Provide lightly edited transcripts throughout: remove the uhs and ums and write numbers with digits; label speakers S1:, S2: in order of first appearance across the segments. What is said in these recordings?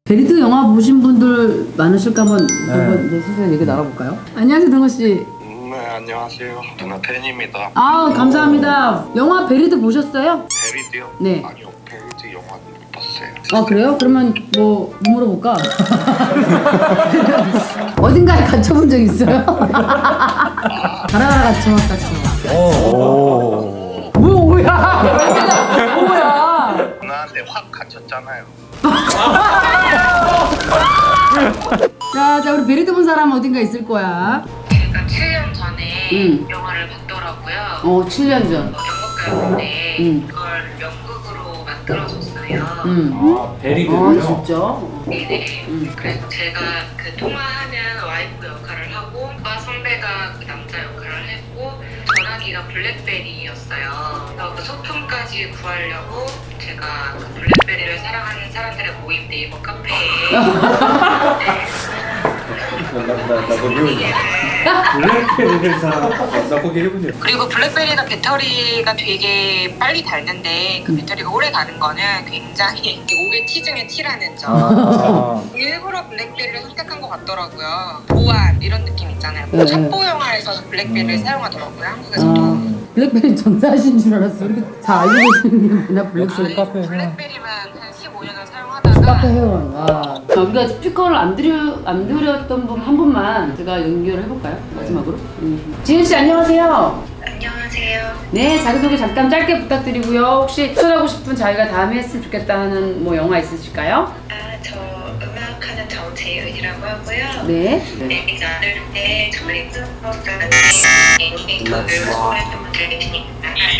S1: 베리드 영화 보신 분들 많으실까 한번 이제 슬슬 얘기 나눠볼까요? 안녕하세요, 등호 씨.
S2: 네, 안녕하세요. 누나 팬입니다.
S1: 아, 감사합니다. 영화 베리드 보셨어요?
S2: 베리드요?
S1: 네.
S2: 아니요, 베리드 영화는 못 봤어요.
S1: 아, 그래요? 그러면 뭐 물어볼까? 어딘가에 갇혀본 적 있어요? 가라가라 갇혀.
S3: 오.
S1: 뭐야? 뭐야?
S2: 누나한테 확 갇혔잖아요.
S1: 자, 우리 베리드 본 사람 어딘가 있을 거야.
S4: 제가 7년 전에 영화를 봤더라고요.
S1: 7년 전.
S4: 연극가요인데 그걸 연극으로 만들어줬어요.
S3: 아, 베리드요?
S1: 진짜?
S4: 네네. 그래서 제가 그 통화하는 와이프 역할을 하고 오빠 선배가 그 남자 역할을 했고 전화기가 블랙베리였어요. 그래서 그 소품까지 구하려고 제가 그 블랙베리를 사랑하는 사람들의 모임 네이버 카페에
S3: 블랙베리를 사고 계시군요.
S4: 그리고 블랙베리가 배터리가 되게 빨리 닳는데 그 배터리가 오래 가는 거는 굉장히 오게 티 중에 티라는 점. 일부러 블랙베리를 선택한 것 같더라고요. 보안 이런 느낌 있잖아요.
S1: 네.
S4: 첩보 영화에서 블랙베리를 사용하더라고요. 한국에서도.
S1: 블랙베리 전사하신 줄 알았어. 이렇게 다 알고 계시는 나 블랙베리.
S3: 카페
S4: 블랙베리만 한 15년을 사용하다가
S1: 카페 회원. 와. 우리가 스피커를 안 드렸던 분 한 분만 제가 연결을 해볼까요? 마지막으로. 지은 씨 안녕하세요.
S4: 안녕하세요.
S1: 네, 자기소개 잠깐 짧게 부탁드리고요. 혹시 추천하고 싶은 자기가 다음에 했으면 좋겠다 하는 뭐 영화 있으실까요?
S4: 저 음악하는 정재윤이라고 하고요.
S1: 네.
S4: 데뷔 나눌 때 저희 프로그램 애니메이터를 소개했던 분들 계시니까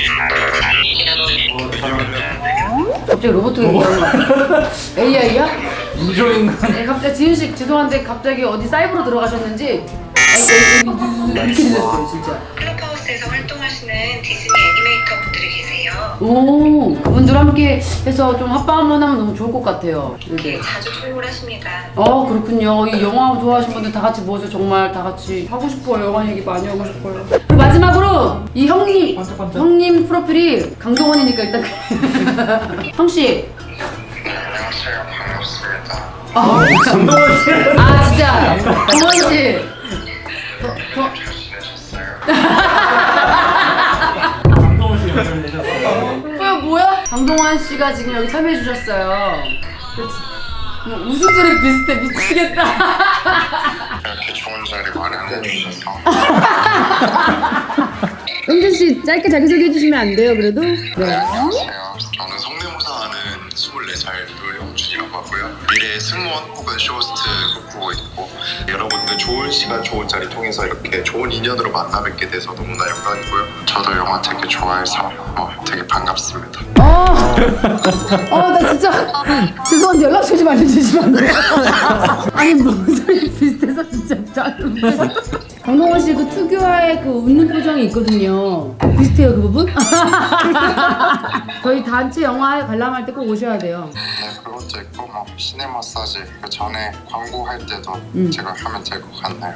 S1: 갑자기 로봇 얘기하는 거 같아. AI야?
S3: 인조인간.
S1: 네, 갑자기 지은 씨 죄송한데 갑자기 어디 사이버로 들어가셨는지 이렇게 들렸어요, 진짜.
S4: 클럽하우스에서 활동하시는 디즈니 애니메이터 분들이 계세요.
S1: 오, 그분들 함께 해서 좀 합방 한번 하면 너무 좋을 것 같아요.
S4: 되게
S1: 네.
S4: 자주 통보를 하십니다.
S1: 그렇군요. 이 영화 좋아하시는 분들 다 같이 모여서 정말 다 같이 하고 싶어요. 영화 얘기 많이 하고 싶어요. 그리고 마지막으로 이 형님 프로필이 강동원이니까 일단 형씨.
S2: 안녕하세요. 반갑습니다.
S3: 강동원 씨.
S1: 아 진짜 동원씨.
S2: 잘 지내셨어요?
S3: 강동원 씨 연결되셔서.
S1: 뭐야? 강동원 씨가 지금 여기 참여해 주셨어요. 웃음소리 비슷해 미치겠다.
S2: 이렇게 좋은 자리 마련해 주셔서
S1: 은준 씨 짧게 자기소개 해주시면 안 돼요 그래도? 네.
S2: 안녕하세요. 저는 성대모사하는 24살 노영준이라고 하고요. 미래의 승무원 혹은 쇼호스트 꿈꾸고 있고 여러분들 좋은 시간 좋은 자리 통해서 이렇게 좋은 인연으로 만나 뵙게 돼서 너무나 영광이고요. 저도 영화 되게 좋아해서 되게 반갑습니다.
S1: 나 진짜 죄송한데 연락처 좀 알려주시면 안 돼요? 아니 목소리 비슷해서 진짜 짜증. 강동원 씨 그 특유의 그 웃는 표정이 있거든요. 비슷해요 그 부분? 저희 단체 영화에 관람할 때 꼭 오셔야 돼요.
S2: 네, 그것도 있고 시내 마사지 그 전에 광고할 때도 제가 하면 될 것 같나요?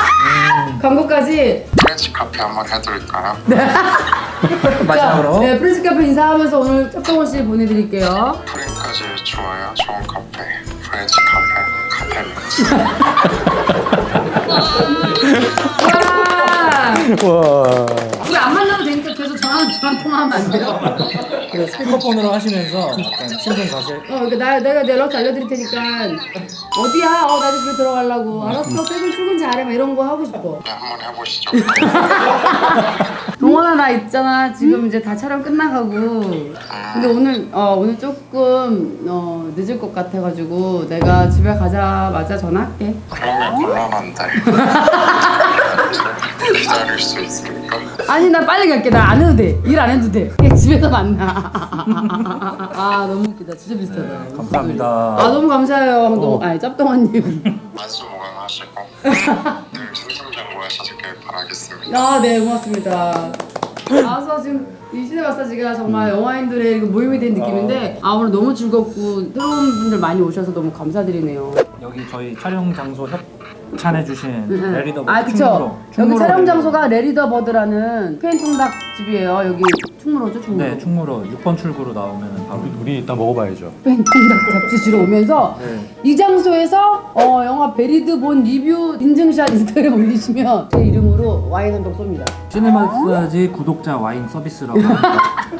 S1: 광고까지.
S2: 프렌치 카페 한번 해드릴까요?
S3: 마지막으로.
S1: 네, 프렌치 카페 인사하면서 오늘 짝동원 씨 보내드릴게요.
S2: 프렌까지 좋아요. 좋은 카페 프렌치 카페 믹스.
S1: 와.
S3: 와.
S1: 우리 안 만나도 되니까 계속 전화 통화하면 안 돼요?
S3: 그 스피커폰으로 하시면서 약간 신분 가실.
S1: 그러니까 내가 연락처 알려드릴 테니까 어디야? 나 이제 집에 들어가려고. 알았어, 출근 잘해. 막 이런 거 하고 싶어.
S2: 네, 한번 해보시죠.
S1: 동원아 나 있잖아. 지금 이제 다 촬영 끝나가고. 근데 오늘 조금 늦을 것 같아가지고 내가 집에 가자마자 전화할게.
S2: 그러면 곤란한데 기다릴 수 있을까?
S1: 아니 나 빨리 갈게. 나 안 해도 돼. 일 안 해도 돼. 그냥 집에서 만나. 너무 웃기다. 진짜 비슷하다.
S3: 감사합니다.
S1: 너무 감사해요. 짭동원님.
S2: 만수무강하시고 늘 승승장구하시길 바라겠습니다.
S1: 네 고맙습니다. 그래서 지금 이 시내 마사지가 정말 영화인들의 모임이 된 느낌인데 오늘 너무 즐겁고 새로운 분들 많이 오셔서 너무 감사드리네요.
S3: 여기 저희 촬영 장소 협찬해주신 레리더
S1: 그쵸. 여기 촬영 장소가 레리더 버드라는 스페인 통닭 집이에요. 여기 충무로죠, 충무로.
S3: 네, 충무로 6번 출구로 나오면 바로.
S5: 우리 이따 먹어봐야죠.
S1: 팬통닭 잡수시러 오면서
S3: 네.
S1: 이 장소에서 영화 베리드 본 리뷰 인증샷 인스타그램 올리시면 제 이름으로 와인 한 병 쏩니다.
S3: 시네마사지 구독자 와인 서비스라고 합니다.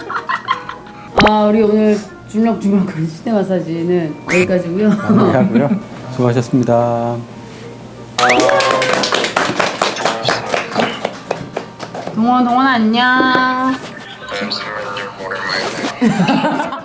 S1: 우리 오늘 주물럭주물럭거리는 시내 마사지는 여기까지고요.
S5: 마무리하고요. 수고하셨습니다.
S1: 동원 안녕.
S2: 잠시만요, 오랜만에.